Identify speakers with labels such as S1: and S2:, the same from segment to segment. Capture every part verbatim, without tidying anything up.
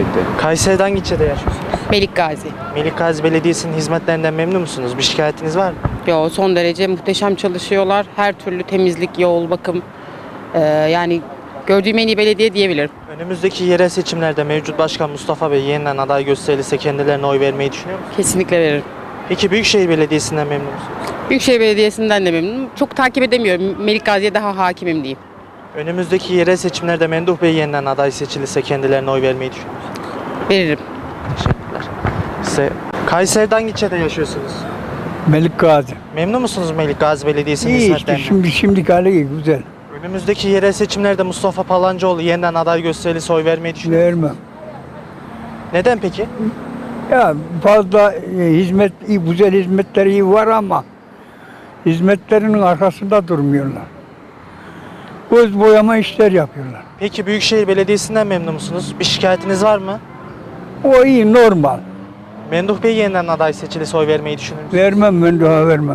S1: müsaitti.
S2: Kayseri'de hangi ilçede yaşıyorsunuz?
S3: Melik Gazi.
S2: Melik Gazi Belediyesi'nin hizmetlerinden memnun musunuz? Bir şikayetiniz var mı?
S3: Yo, son derece muhteşem çalışıyorlar. Her türlü temizlik, yol, bakım. Ee, yani gördüğüm en iyi belediye diyebilirim.
S2: Önümüzdeki yerel seçimlerde mevcut başkan Mustafa Bey yeniden aday gösterilirse kendilerine oy vermeyi düşünüyor musunuz?
S3: Kesinlikle veririm.
S2: Peki Büyükşehir Belediyesi'nden memnun musunuz?
S3: Büyükşehir Belediyesi'nden de memnunum. Çok takip edemiyorum. Melik Gazi'ye daha hakimim diyeyim.
S2: Önümüzdeki yerel seçimlerde Memduh Bey yeniden aday seçilirse kendilerine oy vermeyi düşünüyor musunuz?
S3: Veririm.
S2: Teşekkürler. Size Kayseri'de hangi ilçede yaşıyorsunuz?
S4: Melik Gazi.
S2: Memnun musunuz Melik Gazi Belediyesi'nin
S4: İyi işte
S2: hizmetlerinden?
S4: şimdi şimdiki hali iyi, güzel.
S2: Önümüzdeki yerel seçimlerde Mustafa Palancıoğlu yeniden aday gösterilirse oy vermeyi düşünüyor musunuz?
S4: Vermem.
S2: Neden peki?
S4: Ya fazla e, hizmet, iyi, güzel hizmetleri iyi var ama hizmetlerinin arkasında durmuyorlar. Göz boyama işler yapıyorlar.
S2: Peki Büyükşehir Belediyesi'nden memnun musunuz? Bir şikayetiniz var mı?
S4: O iyi, normal.
S2: Memduh Bey yeniden aday seçilirse oy vermeyi düşünür müsünüz?
S4: Vermem, ben daha vermem.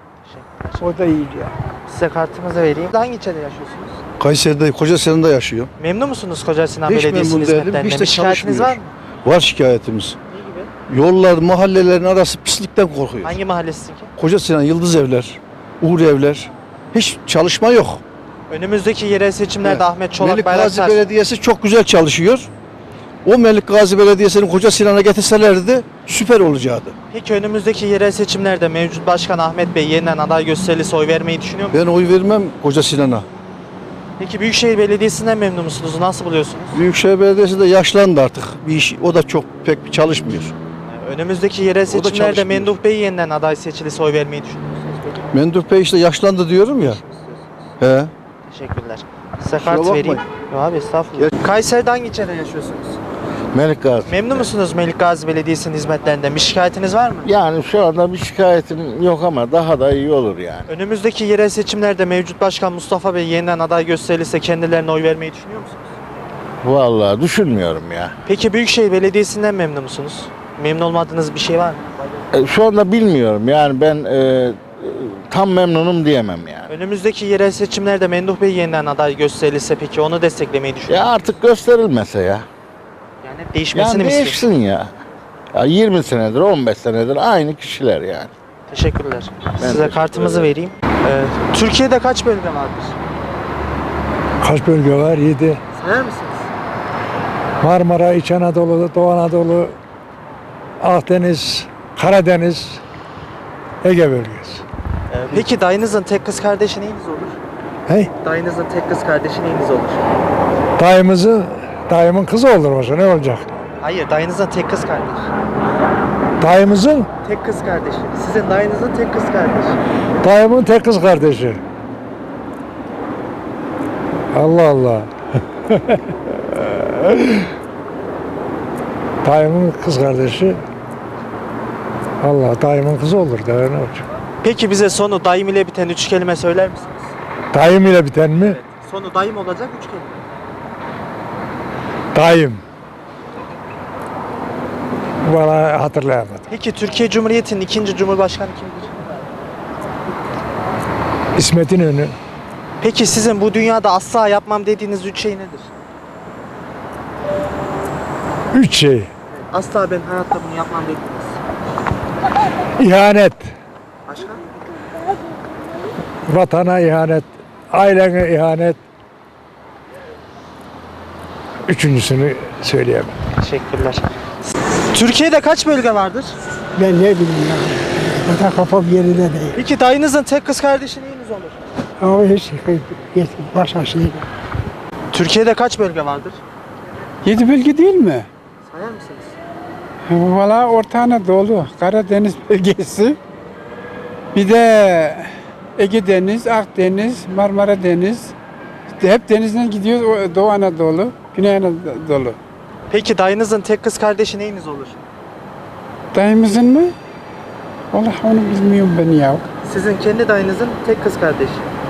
S4: O da iyiydi ya.
S2: Size kartımızı vereyim. Hangi ilçede yaşıyorsunuz?
S5: Kayseri'de, Kocasinan yaşıyor.
S2: Memnun musunuz Koca Sinan
S5: Hiç
S2: Belediyesi'nin
S5: memnun değilim,
S2: hizmetlerinden?
S5: hiç de
S2: Bir şikayetiniz var
S5: çalışmıyor.
S2: mı?
S5: Var şikayetimiz.
S2: Ne gibi?
S5: Yollar, mahallelerin arası pislikten korkuyor.
S2: Hangi mahallesisin ki?
S5: Kocasinan, Yıldız Evler, Uğur Evler. Hiç çalışma yok.
S2: Önümüzdeki yerel seçimlerde
S5: Evet.
S2: Ahmet Çolak
S5: Melik Gazi
S2: Bayraktar.
S5: Belediyesi çok güzel çalışıyor. O Melik Gazi Belediyesi'ni Kocasinan'a getirselerdi süper olacaktı.
S2: Peki önümüzdeki yerel seçimlerde mevcut başkan Ahmet Bey yeniden aday gösterilirse oy vermeyi düşünüyor musunuz?
S5: Ben oy vermem Kocasinan'a.
S2: Peki Büyükşehir Belediyesi'nden memnun musunuz? Nasıl buluyorsunuz?
S5: Büyükşehir Belediyesi de yaşlandı artık. Bir iş, o da çok pek çalışmıyor.
S2: Önümüzdeki yerel seçimlerde
S5: çalışmıyor.
S2: Memduh Bey yeniden aday seçilirse oy vermeyi düşünüyor musunuz? Peki?
S5: Memduh Bey işte yaşlandı diyorum ya. He.
S2: Teşekkürler. Size
S5: Kusura
S2: kart
S5: bakmayın.
S2: vereyim. Yok abi estağfurullah. Kayseri'de hangi ilçede yaşıyorsunuz?
S6: Melik Gazi.
S2: Memnun musunuz Melik Gazi Belediyesi'nin hizmetlerinden? Bir şikayetiniz var mı?
S6: Yani şu anda bir şikayetim yok ama daha da iyi olur yani.
S2: Önümüzdeki yerel seçimlerde mevcut başkan Mustafa Bey yeniden aday gösterilirse kendilerine oy vermeyi düşünüyor musunuz?
S6: Vallahi düşünmüyorum ya.
S2: Peki Büyükşehir Belediyesi'nden memnun musunuz? Memnun olmadığınız bir şey var mı?
S6: E, şu anda bilmiyorum yani ben e, tam memnunum diyemem yani.
S2: Önümüzdeki yerel seçimlerde Memduh Bey yeniden aday gösterilirse peki onu desteklemeyi düşünüyor
S6: Ya
S2: musunuz?
S6: artık gösterilmese ya.
S2: Yani değişmesini
S6: Yani
S2: mi istiyorsunuz?
S6: değişsin ya. Ya yirmi senedir, on beş senedir aynı kişiler yani.
S2: Teşekkürler. Size
S6: teşekkür
S2: kartımızı
S6: ederim.
S2: vereyim. Ee, Türkiye'de kaç bölge vardır?
S4: Kaç bölge var? Yedi.
S2: Sayar mısınız?
S4: Marmara, İç Anadolu, Doğu Anadolu, Akdeniz, Karadeniz, Ege bölgesi.
S2: Ee, peki dayınızın tek kız kardeşi neyiniz olur?
S4: Hey,
S2: Dayınızın tek kız kardeşi neyiniz olur?
S4: dayımızı, dayımın kızı olur olsa ne olacak?
S2: Hayır, dayınızın tek kız kardeşi.
S4: Dayımızın,
S2: Tek kız kardeşi. Sizin dayınızın tek kız kardeşi.
S4: dayımın tek kız kardeşi. Allah Allah. Dayımın kız kardeşi. Allah, dayımın kızı olur da ne olacak?
S2: Peki bize sonu dayım ile biten üç kelime söyler misiniz?
S4: Dayım ile biten mi?
S2: Sonu dayım olacak üç kelime.
S4: Dayım. Valla hatırlayamadım.
S2: Peki Türkiye Cumhuriyeti'nin ikinci cumhurbaşkanı kimdir?
S4: İsmet İnönü.
S2: Peki sizin bu dünyada asla yapmam dediğiniz üç şey nedir?
S4: Üç şey.
S2: Asla ben hayatta bunu yapmam dediğiniz.
S4: İhanet.
S2: Başka?
S4: Vatana ihanet. Ailene ihanet. Üçüncüsünü söyleyemem.
S2: Teşekkürler. Türkiye'de kaç bölge vardır?
S7: Ben ne bileyim ya. Zaten kafam yerinde değil.
S2: Peki dayınızın tek kız kardeşi neyiniz olur?
S7: Ama hiç hiç başka şey.
S2: Türkiye'de kaç bölge vardır?
S8: Yedi bölge değil mi?
S2: Sayar mısınız?
S8: Valla Orta Anadolu, Karadeniz bölgesi. Bir de Ege Deniz, Akdeniz, Marmara Deniz. Hep denizden gidiyoruz. O Doğu Anadolu, Güney Anadolu.
S2: Peki dayınızın tek kız kardeşi neyiniz olur?
S8: Dayımızın mı? Vallahi onu bilmiyorum ben ya.
S2: Sizin kendi dayınızın tek kız kardeşi.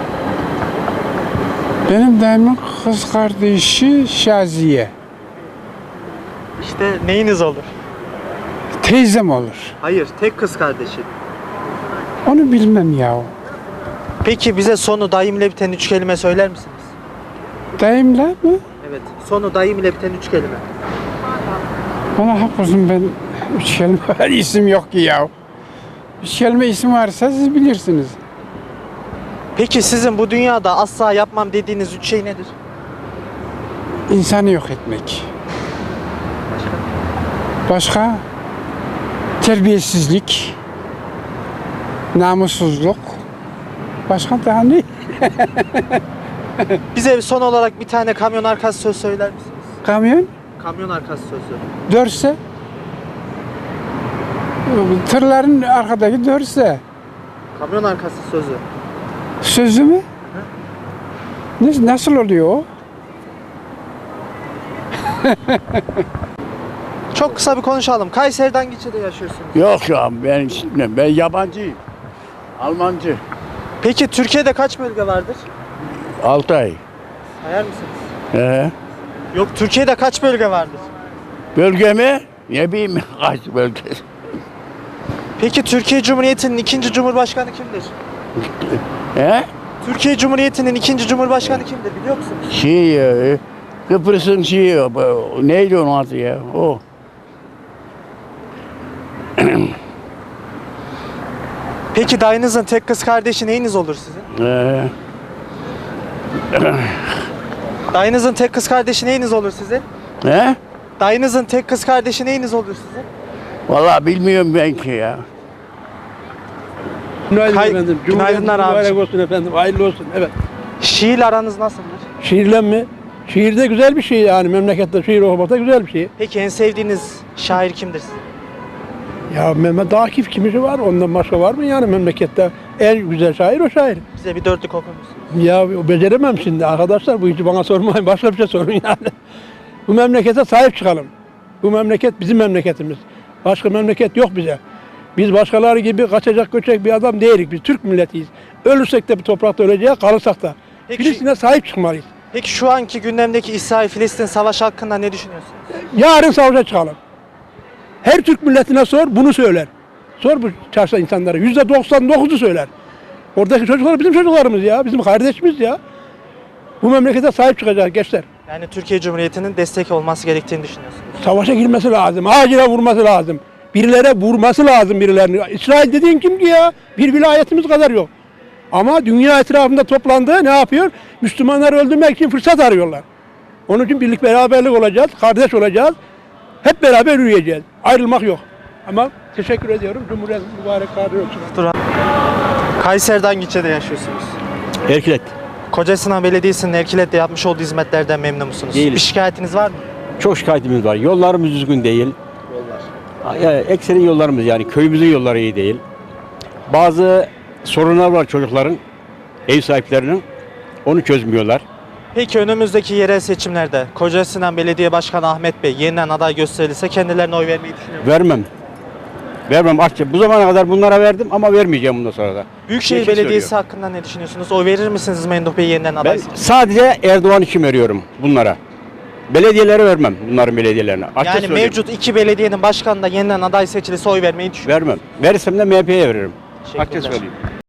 S8: Benim dayımın kız kardeşi Şaziye.
S2: İşte neyiniz olur?
S8: Teyzem olur.
S2: Hayır, tek kız kardeşi.
S8: Onu bilmem ya.
S2: Peki bize sonu dayım ile biten üç kelime söyler misiniz?
S8: Dayımla mı?
S2: Evet, sonu dayım ile biten üç kelime.
S8: Bana haklısın, ben üç kelime var, isim yok ki ya. Üç kelime isim varsa siz bilirsiniz.
S2: Peki sizin bu dünyada asla yapmam dediğiniz üç şey nedir?
S8: İnsanı yok etmek. Başka? Terbiyesizlik, namussuzluk. Başka daha ne?
S2: Bize son olarak bir tane kamyon arkası söz söyler misiniz?
S8: Kamyon
S2: Kamyon arkası sözü.
S8: dörse, tırların arkadaki dörse,
S2: Kamyon arkası sözü.
S8: sözü mü? Ne, nasıl oluyor o?
S2: Çok kısa bir konuşalım. Kayseri'den Giçe'de yaşıyorsunuz.
S1: Yok ya ben işitmem. Ben yabancıyım. Almancı.
S2: Peki Türkiye'de kaç bölge vardır?
S1: Altı ay.
S2: Sayar mısınız?
S1: Ee,
S2: Yok, Türkiye'de kaç bölge vardır?
S1: bölge mi? Ne bileyim kaç bölge.
S2: Peki Türkiye Cumhuriyeti'nin ikinci Cumhurbaşkanı kimdir?
S1: He?
S2: Türkiye Cumhuriyeti'nin ikinci Cumhurbaşkanı kimdir biliyor musunuz?
S1: Şey, e, Kıbrıs'ın şeyi, bu- neydi onun adı ya? O.
S2: Peki dayınızın tek kız kardeşi neyiniz olur sizin?
S1: Ee,
S2: Dayınızın tek kız kardeşi neyiniz olur sizin?
S1: he?
S2: Dayınızın tek kız kardeşi neyiniz olur sizin?
S1: Vallahi bilmiyorum ben ki ya.
S9: Günaydın
S2: Kay-
S9: efendim.
S2: Günaydınlar
S9: Cumhuriyetiniz mübarek
S2: abicim.
S9: olsun efendim. Hayırlı olsun. Evet.
S2: Şiirle aranız nasıldır?
S9: Şiirle mi? Şiir de güzel bir şey yani. Memlekette şiir okumak da güzel bir şey.
S2: Peki en sevdiğiniz şair kimdir sizin?
S9: Ya Mehmet Akif kimisi var. Ondan başka var mı yani memlekette? En güzel şair o şair.
S2: Bize bir dörtlük okur musunuz?
S9: Ya o beceremem şimdi arkadaşlar. Bu işi bana sormayın. Başka bir şey sorun yani. Bu memlekete sahip çıkalım. Bu memleket bizim memleketimiz. Başka memleket yok bize. Biz başkaları gibi kaçacak göçecek bir adam değiliz. Biz Türk milletiyiz. Ölürsek de bu toprakta öleceğiz, kalırsak da.
S2: Peki-
S9: Filistin'e sahip çıkmalıyız.
S2: Peki şu anki gündemdeki İsrail-Filistin savaşı hakkında ne düşünüyorsunuz?
S9: Yarın savaşa çıkalım. Her Türk milletine sor, bunu söyler. Sor bu çarşı insanlara. Yüzde doksan dokuzu söyler. Oradaki çocuklar bizim çocuklarımız ya, bizim kardeşimiz ya. Bu memlekete sahip çıkacak gençler.
S2: Yani Türkiye Cumhuriyeti'nin destek olması gerektiğini düşünüyorsunuz.
S9: Savaşa girmesi lazım, acile vurması lazım. Birilere vurması lazım birilerini. İsrail dediğin kim ki ya? Bir vilayetimiz kadar yok. Ama dünya etrafında toplandı, ne yapıyor? Müslümanları öldürmek için fırsat arıyorlar. Onun için birlik beraberlik olacağız, kardeş olacağız. Hep beraber yürüyeceğiz. Ayrılmak yok. Ama teşekkür ediyorum. Cumhuriyet mübarek kardeş olsun.
S2: Kayseri'den Giçe'de yaşıyorsunuz.
S10: Erkilet.
S2: Kocasinan Belediyesi'nin Erkilet'te yapmış olduğu hizmetlerden memnun musunuz?
S10: Değiliz.
S2: Bir şikayetiniz var mı?
S10: Çok şikayetimiz var. Yollarımız düzgün değil. Yollar. Yani ekseri yollarımız yani köyümüzün yolları iyi değil. Bazı sorunlar var çocukların, ev sahiplerinin. Onu çözmüyorlar.
S2: Peki önümüzdeki yerel seçimlerde Kocasinan Belediye Başkanı Ahmet Bey yeniden aday gösterilse kendilerine oy vermeyi düşünüyor musunuz?
S10: Vermem. Vermem. Açça. Bu zamana kadar bunlara verdim ama vermeyeceğim bundan sonra da.
S2: Büyükşehir
S10: Geçmiş
S2: Belediyesi
S10: söylüyor.
S2: hakkında ne düşünüyorsunuz? Oy verir misiniz Memduh Bey yeniden
S10: Ben
S2: aday?
S10: sadece Erdoğan için veriyorum bunlara. Belediyelere vermem bunların belediyelerine. Açça
S2: Yani
S10: söyleyeyim.
S2: mevcut iki belediyenin başkanı da yeniden aday seçilirse oy vermeyi düşünüyor.
S10: Vermem. Verirsem de M H P'ye veririm. Açça
S2: Teşekkürler.
S10: söyleyeyim.